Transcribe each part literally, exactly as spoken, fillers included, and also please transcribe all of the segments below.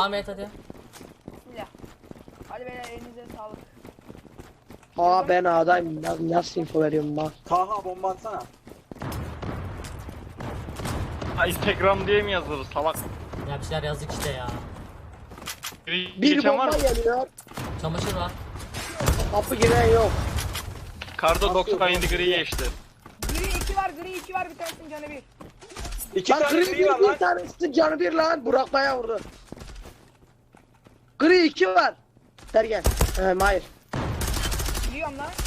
Devam et hadi. Bismillah. Hadi beyler elinize sağlık. Ha ben A'dayım. Nasıl, nasıl info veriyorum bak. Taha bomba atsana. Ha, Instagram diye mi yazılır salak? Ya bir şeyler yazdık işte ya. Biri Bir geçen var bomba mı? geliyor. Çamaşır var. Kapı giren yok. Kardo doksan yedi gri geçti. Gri iki var, gri iki var, bir tanesinin canı bir. İki Lan tane gri gri bir, var bir lan. tanesi canı bir lan. Burak Baya vurdu. Gri iki var. Sergen. Ee, Mahir. Biliyorum lan.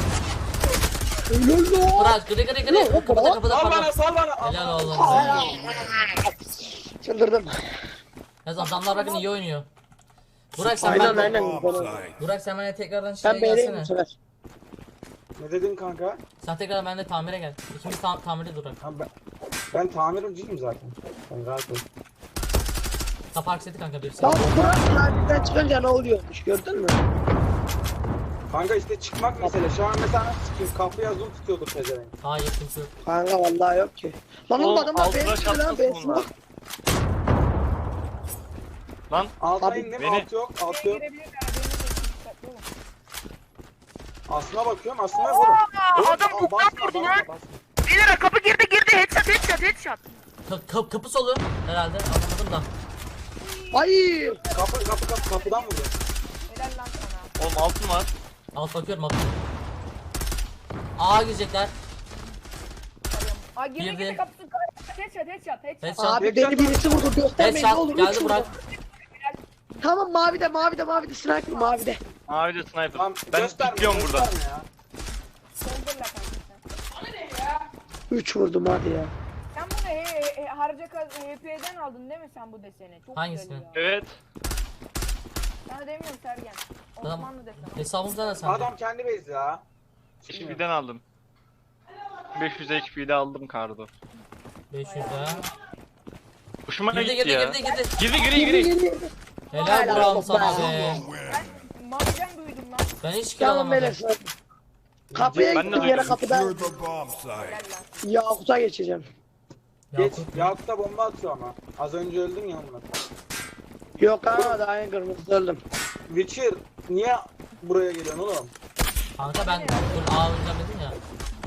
Ölür lan. Bırak gri gri gri. Kapıda kapıda Sal bana kapıda. sal bana. Helal oğlum. Çıldırdım. Yaz adamlar bakın iyi oynuyor. Burak sen Aynen ben aynen. Burak sen bana tekrardan şeye Ben beğeneyim bu gelsene. sefer. Ne dedin kanka? Sen tekrar bende tamire gel. İkimiz tam tamirde durak. Ha, ben, ben tamirciyim zaten. Ben rahat ol. Kapı akseti kanka birisi. Lan Burak ladiden çıkınca ne oluyormuş gördün mü? Kanka işte çıkmak mesele. Şu an mesela nasıl çıkayım? Kapıya zoom tutuyordur pezevenk. Hayır kimse yok. Kanka vallahi yok ki. Lan oğlum Oğlum, adamlar altına beğenmiyor lan çatlasın beğenmiyor. bunlar. Lan Alta Abi, indim, beni- alt yok, alt Şuraya yok. girebilirler, haberiniz olsun, dikkatli olun. Aslına bakıyorum, aslına vurun. adam Oğlum, buktan basma, vurdu basma, lan. basma. Beyler kapı girdi girdi, headshot headshot headshot. Ka ka kapı solu herhalde anlamadım da. Hayır. Kapı, kapı, kapı, kapıdan vuruyor. Helal lan sana. oğlum altın var. Alt bakıyorum alt. Aa girecekler. Aa girdi Girdi. girdi kapısını kır. Headshot headshot headshot. Headshot. Abi beni birisi vurdu göstermeyin ne Headshot olur. geldi Üç vurdu. Burak. Tamam mavide mavide mavide sniper mavide. Abi de sniper. Tamam, Ben gösterme, tutuyorum burada. gösterme ya. Soldur la kanka sen. Üç vurdum hadi ya. Sen bunu he, he, he, harca H P'den aldın değil mi sen bu deseni? Çok Hangisini? güzel ya. Evet. Sana demiyorum Sergen. Tamam. Osmanlı deseni. Hesabımızda da sende. Adam kendi base ya. H P'den aldım. beş yüz H P'de aldım Kardo. beş yüz ya. Hoşuma Girdi gitti girdi ya. girdi girdi. Girdi gri gri. Helal Helal Burak'ım olsun sana be. be. Ben mahzen duydum lan. Ben hiç kill Tamam alamadım. beyler sniper. Kapıya Ben de gittim yere duydum. kapıdan. Secure the bomb site. Helal lan. Yakut'a geçeceğim. Geç, Yakup. Yakup da bomba atıyor ama. Az önce öldün ya onunla. Yok ha daha en kırmızı öldüm. Witcher, niye buraya geliyorsun oğlum? Kanka ben dur A oynayacağım dedim ya.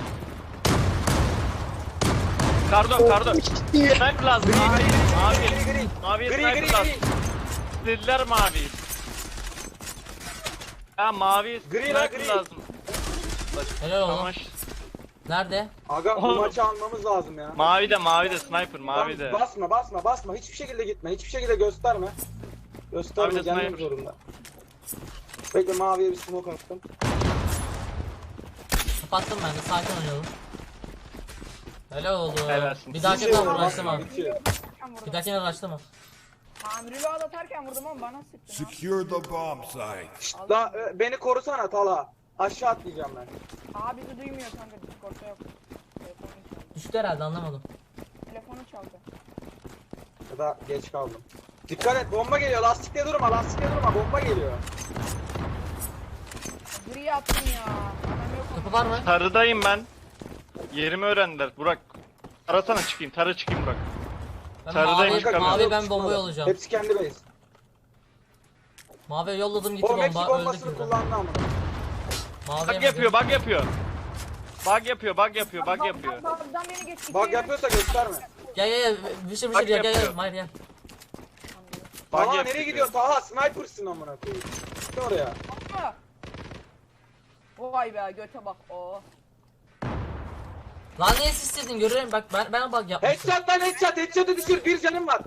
Kardo Kardo. İyi. Sniper lazım. Mavi. Mavi. Mavi Gri, sniper gri, lazım. gri. Dediler mavi. Ya mavi Gri la, sniper gri. lazım. Helal oğlum. Tamam. Nerede? Aga bu Oğlum. maçı almamız lazım ya. Mavi de mavi de sniper mavi de. Tamam, basma basma basma. Hiçbir şekilde gitme. Hiçbir şekilde gösterme. Gösterme Mavi de gelmek sniper. zorunda. Bekle maviye bir smoke attım. Kapattım ben de sakin oynayalım. Helal oldu. Helalsin. Bir dahaki Bitiyor, tam basma, uğraştırma. bitiyor. Ben vurdum. Bir dahakine uğraştırma. Tamirli atarken vurdum ama bana sıktın. ha. Secure the bomb site. La e, beni korusana Tala. Aşağı atlayacağım ben. Aa bizi duymuyor kanka. Discord'da yok. Telefonu çaldı. Düştü herhalde anlamadım. Telefonu çaldı. Ya da geç kaldım. Dikkat et bomba geliyor. Lastikte durma. Lastikte durma. Bomba geliyor. Gri attım ya. Adam yok. Kapı var mı? Tarıdayım ben. Yerimi öğrendiler. Burak. Tarasana çıkayım. Tara çıkayım Burak. Ben Sarıdayım, mavi, çıkamıyorum. mavi ben Çıkmadı. bombayı olacağım. Hepsi kendi base. Mavi yolladım gitti O Meksik bomba öldük bombasını burada. kullandı ama. Mavi Bug yapıyor, bug yapıyor. Bug yapıyor, bug yapıyor, bug yapıyor. Bagdan beni geç. Bak yapıyorsa gösterme. Gel gel gel vişir vişir Bug gel gel gel yapıyor. Mahir gel. Bug Taha yapıyor. nereye gidiyorsun Taha? Sniper'sın amına koyayım. Git oraya. Atma. Vay be göte bak. Oo. Lan niye siz istedin görüyorum bak ben ben bug yapmışım. Headshot lan headshot. Headshot'ı düşür. Bir canım var.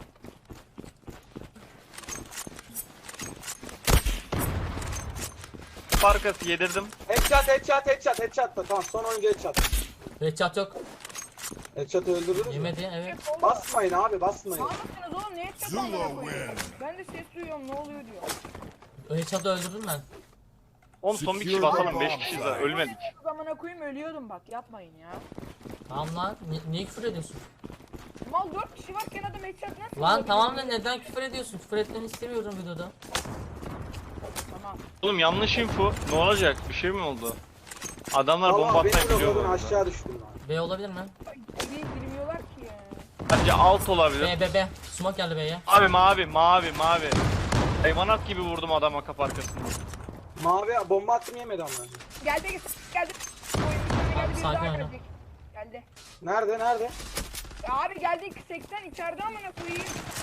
Farkası yedirdim. Headshot headshot headshot headshot da tamam son oyuncu headshot. Headshot yok. Headshot'ı öldürürüz mü? Yemedi evet. Basmayın abi basmayın. Ne yapıyorsunuz oğlum? Ne edeceğiz Zula amına koyayım? win. Ben de ses duyuyorum ne oluyor diyor. Headshot'ı öldürdüm ben. Oğlum son bir kişi basalım, beş kişiyiz daha, ölmedik. O zamana koyayım ölüyordum bak yapmayın ya. Tamam lan ni- niye küfür ediyorsun? Mal dört kişi varken adam headshot nasıl Lan olabilir tamam da ya? neden küfür ediyorsun? Küfür etmeni istemiyorum videoda. Tamam. Oğlum yanlış info. Ne olacak? Bir şey mi oldu? Adamlar bomba Allah beni atmayı biliyor bu blokladın arada. aşağı düştüm lan. B olabilir mi? Ay, geri girmiyorlar ki ya. Bence alt olabilir. B B B. Smoke geldi B'ye. Abi mavi mavi mavi. Hayvanat gibi vurdum adama kapı arkasında. Mavi bomba attım yemedi ama. Geldi geldi. Oyun içine geldi bir Sakin daha oyna. gelecek. Geldi. Nerede nerede? Ya abi geldi seksen içeride amına koyayım.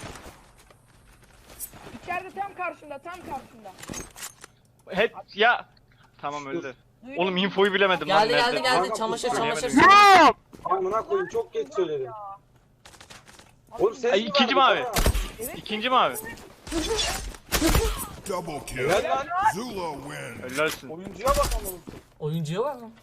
İçeride tam karşında tam karşında. Hep ya. Tamam öldü. Oğlum infoyu bilemedim lan. Geldi geldi nerede? geldi. Kanka, Çamaşır söyleyemedim. çamaşır. Amına koyayım çok geç söyledim. Oğlum ses Ay, mi ikinci vardı mavi. bana? İkinci mavi. Double kill. Helal lan. Zula win. Hellalsin. Oyuncuya bak amına. Oyuncuya var mı?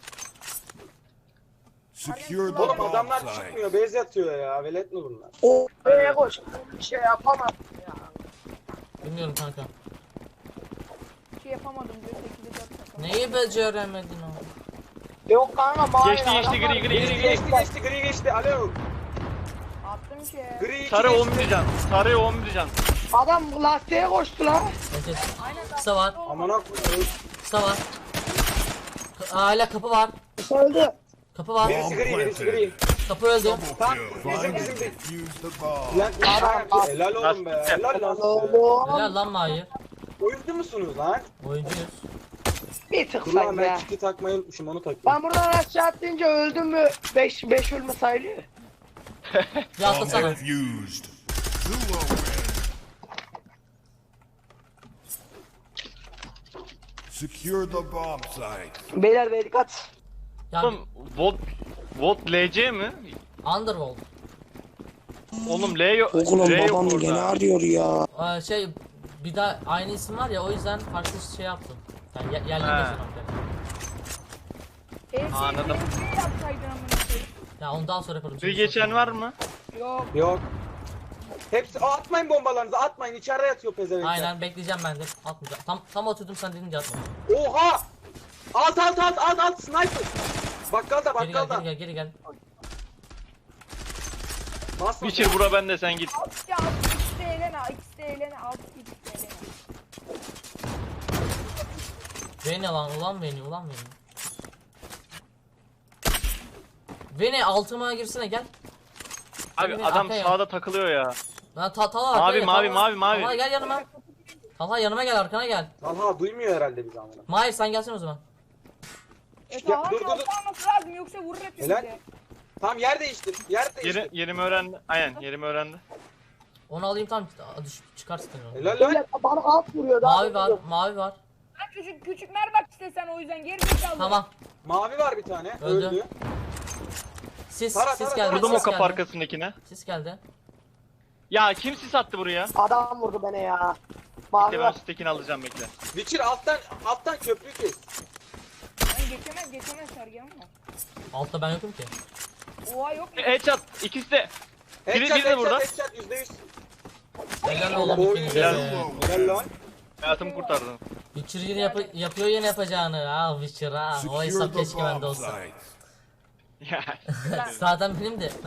Secure the Oğlum bomb adamlar site. çıkmıyor, bez yatıyor ya. Velet mi bunlar? O B'ye koş. Bir şey yapamam ya. Bilmiyorum kanka. Bir şey yapamadım diyor sekizde dört takım. Neyi beceremedin o? Yok kanka mavi. Geçti geçti adamlar- gri gri Geçti gri gri. geçti geçti gri geçti. Alo. Attım ki. Gri iki Sarı geçti. on bir can. Sarı on bir can. Adam lastiğe koştu lan. Evet. Aynen. Kısa var. Amına koyayım. Kısa var. K- Hala kapı var. Öldü. Kapı var. Birisi gri birisi gri. Kapı öldü. Double Tamam, kill. bizim Find bizim and bir. defuse the bomb. Lan Adam- helal oğlum be. Helal lan size. Oğlum. Helal lan Mahir. Oyuncu musunuz lan? Oyuncuyuz. Bir tık Dur lan sanki ben ya. kiti takmayı unutmuşum onu takayım. Ben buradan aşağı atlayınca öldüm mü? beş beş ölme sayılıyor. Bir Bomb atlasana. defused. Zula win. Secure the bomb site. Beyler bey dikkat. Ya Oğlum Volt Volt L C mi? Underworld. Oğlum L yok. Oğlum L yok babam orada. gene arıyor ya. Ee, şey bir daha aynı isim var ya o yüzden farklı şey yaptım. Yani ye- yerli He. geçiyorum. E, Anladım. Ne yapsaydın amına koyayım? Ya onu daha sonra yaparım. Bir geçen var mı? Yok. Yok. Hepsi Aa, atmayın bombalarınızı atmayın içeride yatıyor pezevenkler. Aynen bekleyeceğim ben de. Atmayacağım. Tam tam atıyordum sen dedin ki atma. Oha! Alt alt alt alt alt sniper. Bakkalda Geri gel bakkalda. geri gel geri gel. Basma. Biçir bura bende sen git. Alt ya alt ikisi de eğlen al. İkisi de eğlen al. İkisi de eğlen al. Beni lan ulan beni ulan beni. Beni altıma girsene gel. Abi Beni adam arkaya. sağda takılıyor ya. Lan ta Talha Mavi, arkaya, mavi, Talha. mavi, mavi. Talha gel yanıma. Talha yanıma gel arkana gel. Talha duymuyor herhalde bizi amına. Mahir sen gelsene o zaman. E Ya, tamam dur, dur, dur. altı alması lazım yoksa vurur hepimizi. Helal. Tamam yer değiştir. Yer değiştir. Yeri, yerimi öğrendi. Aynen yerimi öğrendi. Onu alayım tamam düş çıkarsın onu. Helal lan. Beyler bana alt vuruyor daha. Mavi var mavi var. Lan küçük küçük mer bak işte sen o yüzden geri zekalı. Tamam. Mavi var bir tane. Öldü. Öldü. Sis Tara, sis tara, geldi. Vurdum o sis kapı geldi. arkasındakine. Sis geldi. Ya kim sis attı buraya? Adam vurdu beni ya. Mavi Bekle ben var. sistekini alacağım bekle. Witcher alttan alttan köprüyü kes. Lan geçemez geçemez Sergen ama. Altta ben yokum ki. Oha yok mu? Headshot ikisi de. Biri- Headshot biri de headshot burada. headshot yüzde yüz. Helal oğlum Oy, ikinize. helal. de. Helal lan. Hayatımı kurtardın. Witcher yine yap yapıyor yine yapacağını. Ha Witcher ha. O Secure hesap the keşke bende bomb olsa. site. Ya. Zaten benim de.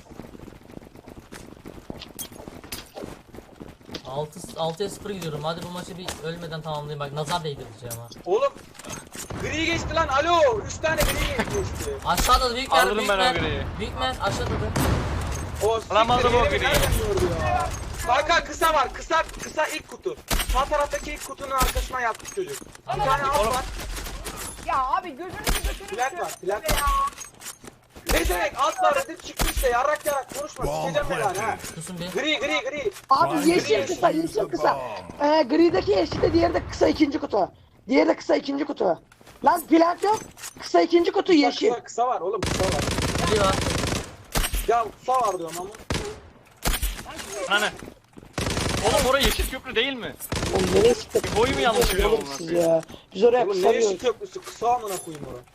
altı altıya sıfır gidiyorum. Hadi bu maçı bir ölmeden tamamlayayım. Bak nazar değdireceğim ha. Oğlum. Gri geçti lan. Alo. Üç tane gri geçti. Aşağıda da büyük mer, Alırım büyük ben o mer. griyi. Büyük mer aşağıda da. O Alamadım siktir, o yerimi griyi. nereden gördü ya? Kanka kısa var. Kısa kısa ilk kutu. Sağ taraftaki ilk kutunun arkasına yatmış çocuk. Bir tane alt Oğlum. var. Ya abi gözünüzü götürün. Plat var. Plat var. Ne demek alt var dedim çıktı işte. Yarrak yarrak konuşma. Bomb Sikeceğim ben lan ha. planted. Susun bir. Gri gri gri. Abi Find yeşil and kısa defuse yeşil the kısa. bomb. Ee, grideki yeşil de diğeri de kısa ikinci kutu. Diğeri de kısa ikinci kutu. Lan plant yok. Kısa ikinci kutu Kısa, yeşil. Kısa, kısa var oğlum kısa var. Biri var. Ya kısa var diyorum ama. Hani. Oğlum orası yeşil köprü değil mi? Oğlum nereye sıktık? Bir boyu mu yanlış biliyorum Oğlum amına siz koyayım? ya. Biz oraya Oğlum kısa ne yeşil diyoruz. köprüsü kısa amına koyayım oraya.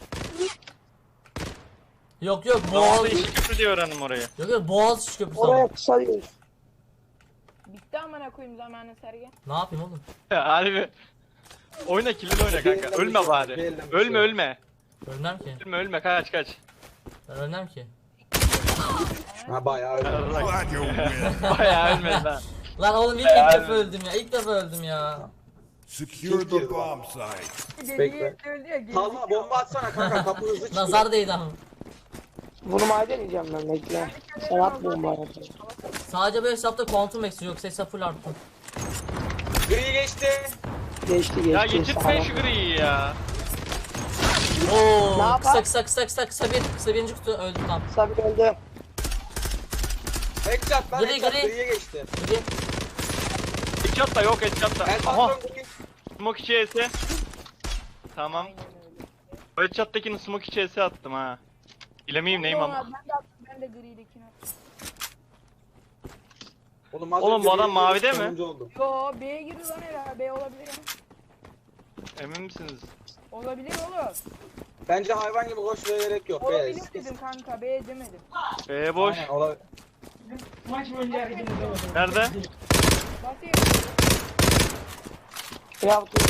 Yok yok Boğaz boğaz. yeşil köprü diye öğrendim orayı. Yok yok boğaz köprüsü Oraya ama. kısa diyoruz. Bitti amına koyayım zamanı Sergen. Ne yapayım oğlum? Harbi. Oyna kilini oyna kanka. Beğendim Ölme bir şey, bari. beğendim bir Ölme şey. ölme. Ölmem ki. Ölme ölme kaç kaç. Ben ölmem ki. Ha bayağı öyle. Glad you win. Bayağı ölmedin ha. Lan oğlum ilk, ilk defa öldüm ya. İlk defa öldüm ya. Secure the bomb site. Bekle. Öldü ya. geri Talha bomba atsana kanka kapı hızlı çıkıyor. Nazar değdi ama. Bunu maden yiyeceğim ben bekle. Sen at bombayı. Sadece bu hesapta Quantum Max'i yoksa hesap full arttı. Gri geçti. Geçti geçti. Ya getirtme şu griyi ya. Oo, Ne yapar? kısa kısa kısa kısa kısa bir kısa birinci kutu öldü tam. Sabit öldü. Headshot lan Gri, headshot gri. griye geçti. Bir Headshot da yok headshot da. El Aha. patron gri. Smoke içerisi. Tamam. O headshot'takini smoke içerisi attım ha. Bilemeyeyim neyim ama. Ben de attım, ben de gridekini attım. Oğlum, az Oğlum, önce bu adam biri mavide mi? sonuncu oldu. Yo B'ye girdi lan herhalde. B olabilir ya. Emin misiniz? Olabilir oğlum. Bence hayvan gibi koş ve gerek yok. Olabilir Beyaz. dedim kanka. B demedim. Ee boş. Aynen, olabilir. Nerede? Basayım. Ya dur.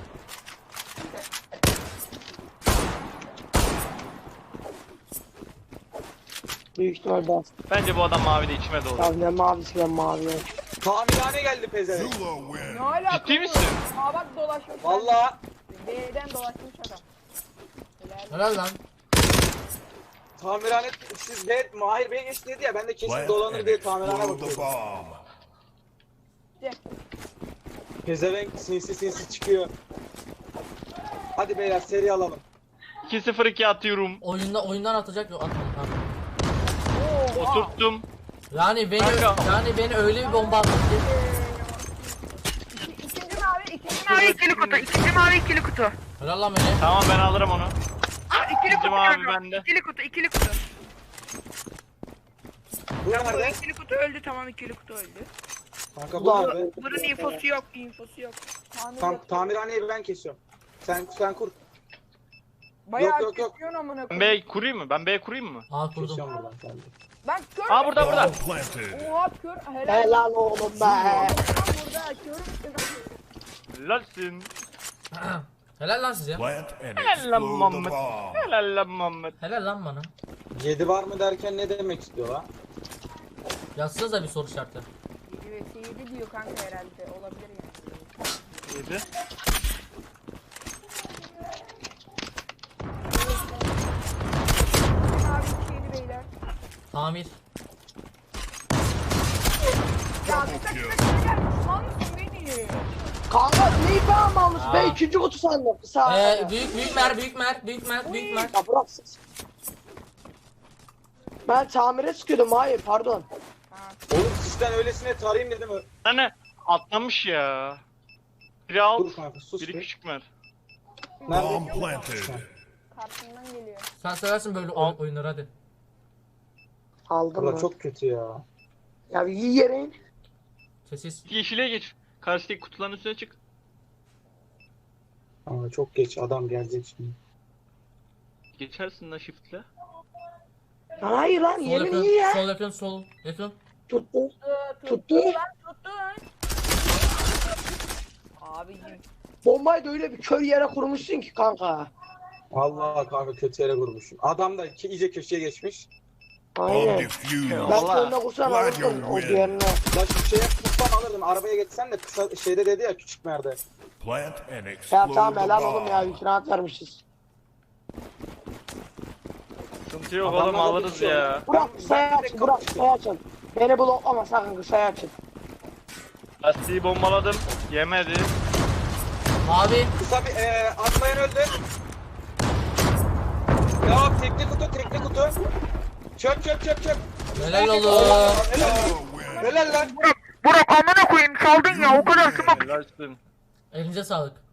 Büyük ihtimal bas. Bence bu adam mavide içime doğdu. Ya ne mavisi ben mavi. Tamirhane geldi pezevenk. Zula win. Ne alaka? Ciddi misin? Aa bak dolaşmış. Valla B'den dolaşmış adam. Helal. helal lan. tamirhane siz de Mahir Bey geçti dedi ya, ben de kesin Plant dolanır and diye tamirhane explode the bakıyorum. bomb. Pezevenk sinsi sinsi çıkıyor. Hadi beyler seri alalım. iki sıfır iki atıyorum. Oyunda oyundan atacak yok atmadı tamam. Oturttum. Yani beni Kanka. yani beni öyle bir bomba attı ki. İkinci mavi, ikinci mavi ikili kutu. İkinci mavi ikili kutu. Helal lan beni. Tamam ben alırım onu. İkili İkinci mavi bende. İkili kutu, ikili kutu. Bu nerede? İkili kutu öldü, tamam ikili kutu öldü. Kanka bu Ulan. nerede? Bunun infosu yok, infosu yok. Tamir Tam, yok. tamirhaneyi ben kesiyorum. Sen sen kur. Bayağı yok, yok, yok. kesiyorsun amına Ben koyayım. B kurayım mı? Ben B kurayım mı? Aa kurdum. Kesiyorum buradan sen de. Ben kör. Aa burada burada. Bomb planted. Oha kör. Helal. Helal oğlum be. Lan burada körüm. Helalsin. Helal lan size. Plant and Helal explode the Muhammed. bomb. Helal lan Muhammed. Helal lan bana. Yedi var mı derken ne demek istiyor lan? Yazsanıza bir soru işareti. yedi ve yedi diyor kanka herhalde. Olabilir yani. Yedi. Abi iki yedi beyler. Tamir. Ya bir tek tek beyler. Mal mısın beni? Kanka neyi ben almış Aa. be ikinci kutu sandım. Sağ Ee, büyük büyük mer büyük mer büyük mer büyük mer. Ya bırak siz. Ben tamire sıkıyordum hayır pardon. Oğlum sizden öylesine tarayayım dedim. Hani atlamış ya. Biri alt, Dur kanka sus biri bir. küçük mer. Nerede? Bomb planted. Karşımdan geliyor. Sen seversin böyle Al. oy- oyunları hadi. Aldım Bura mı? çok kötü ya. Ya bir iyi yere in. Sessiz. Yeşile geç. Karşıdaki kutuların üstüne çık. Ama çok geç, adam gelecek şimdi. Geçersin lan shift'le. Hayır lan Sol yerin yakın, iyi ya. sol yakın, sol yakın. Tuttu. Tuttu. Tuttu. Lan tuttu lan. Abicim. Bombayı da öyle bir kör yere kurmuşsun ki kanka. Vallahi kanka kötü yere vurmuşum. Adam da ki iyice köşeye geçmiş. Bomb Aynen. defused. Ben Vallahi. önüne kursan Glad alırsın you o win. diğerine. La şu şeye tutsam alırdım. Arabaya geçsen de kısa şeyde dedi ya, küçük merde. Plant and Ya explode tamam the helal oğlum ya bomb. yükünat vermişiz. Sıkıntı yok Adamlar oğlum da alırız tutuyor. ya. Burak Ben- kısayı ben açın direkt Burak kapıştım. kısayı açın. Beni bloklama sakın kısayı açın. Lastiği bombaladım. Yemedi. Abi Kısa bir eee atlayan öldü. Ya tekli kutu tekli kutu. Çöp çöp çöp çöp. helal oğlum. Helal, Zula win. helal lan. Burak amına koyayım çaldın ya o kadar smoke. Helalsin. Elinize sağlık.